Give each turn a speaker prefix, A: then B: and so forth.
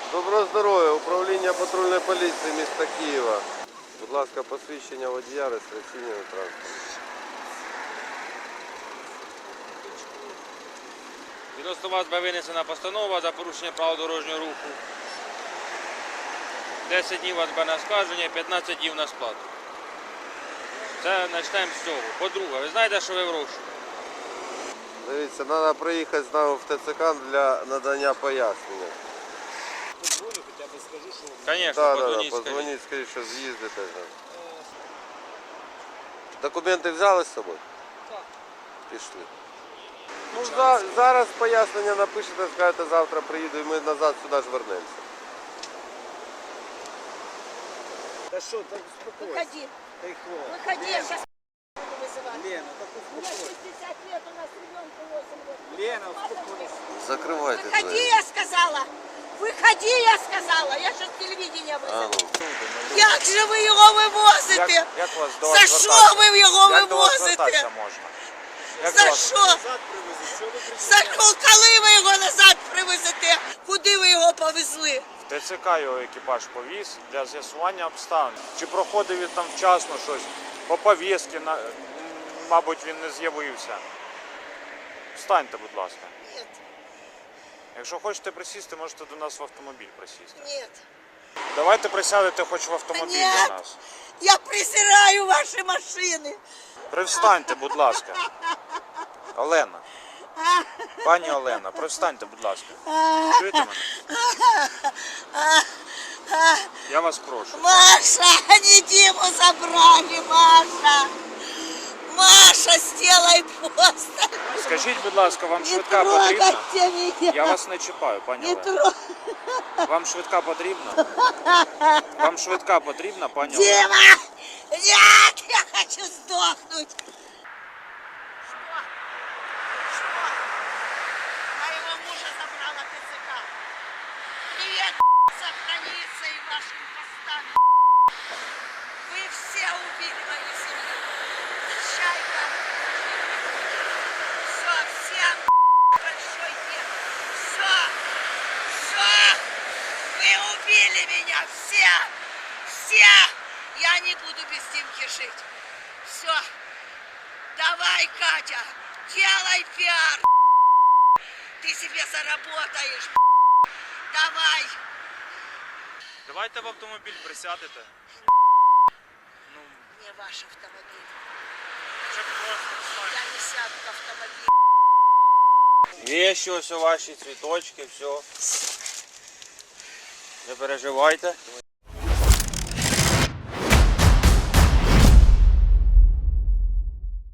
A: Доброго здоров'я, управління патрульної поліції міста Києва. Будь ласка, посвідчення водія, реєстраційний транспорт.
B: Відносно вас буде винесена постанова за порушення правил дорожнього руху. 10 днів у вас буде на оскарження, 15 днів на сплату. Це почнемо з цього. По-друге, ви знаєте, що ви в розшуку?
A: Дивіться, треба приїхати з нами в ТЦК для надання пояснення.
C: Позвоню, хоча б скажу, що...
B: Звісно,
A: Так,
B: подзвоніть,
A: позвоніть, скажіть, що з'їздите. Документи взяли з собою?
C: Так.
A: Пішли. Ну, зараз пояснення напишете, скажете, завтра приїду і ми назад сюди ж вернемося.
C: Да что, так успокойся.
D: Выходи,
C: Тихо.
D: выходи, я
C: Лена,
D: сейчас буду вызывать.
C: Лена, так
D: У меня
C: успокойся.
D: 60 лет, у нас ребенку 8 лет.
C: Лена, успокойся.
A: Закривайте
D: Выходи,
A: двері.
D: я сказала! Выходи, я сказала! Я сейчас телевидение
A: А,
D: вызову.
A: ну.
D: Як же ви його вивозите?
E: Як вас до
D: За
E: вас
D: що ви його
E: Як до вас
D: вивозите?
E: звертатися можна? Як
D: За
E: до вас-
D: що?
C: Назад привези, що ви кричите?
D: Коли ви його назад привезете? Куди ви його повезли?
E: В ТЦК його екіпаж повіз для з'ясування обставин. Чи проходив він там вчасно щось? По повістці, мабуть, він не з'явився. Встаньте, будь ласка.
D: Ні,
E: Якщо хочете присісти, можете до нас в автомобіль присісти.
D: ні.
E: Давайте присядете хоч в автомобіль
D: Ні.
E: до нас.
D: Я презираю ваші машини.
E: Привстаньте, будь ласка. Олена. Пані Олена, привстаньте, будь ласка. Чуєте мене? Я вас прошу.
D: Маша, они Диму забрали, Маша. Маша, сделай пост.
E: Скажіть, будь ласка, вам
D: Не
E: швидка потрібна?
D: трогайте меня.
E: Я вас не чіпаю, пані
D: Не
E: Олена.
D: трогай.
E: Вам швидка потрібна? Вам швидка потрібна, пані Олена?
D: Дима! Нет, я хочу сдохнуть. Что? Моего мужа забрала ТЦК. Привет, сохранится и вашим постам. Вы все убили мою семью. Чайка. Все, всем большой нет. Все. Все. Вы убили меня. Все. Все. Я не буду без Димки жить. Все. Давай, Катя. Делай пиар. Ты себе заработаешь. Давай.
E: Давайте в автомобіль присядете. Ну,
D: Не ваш автомобиль.
E: щоб просто
D: Я не сяду в автомобиль.
B: Вещи, ось ваші цвіточки, все. Не переживайте.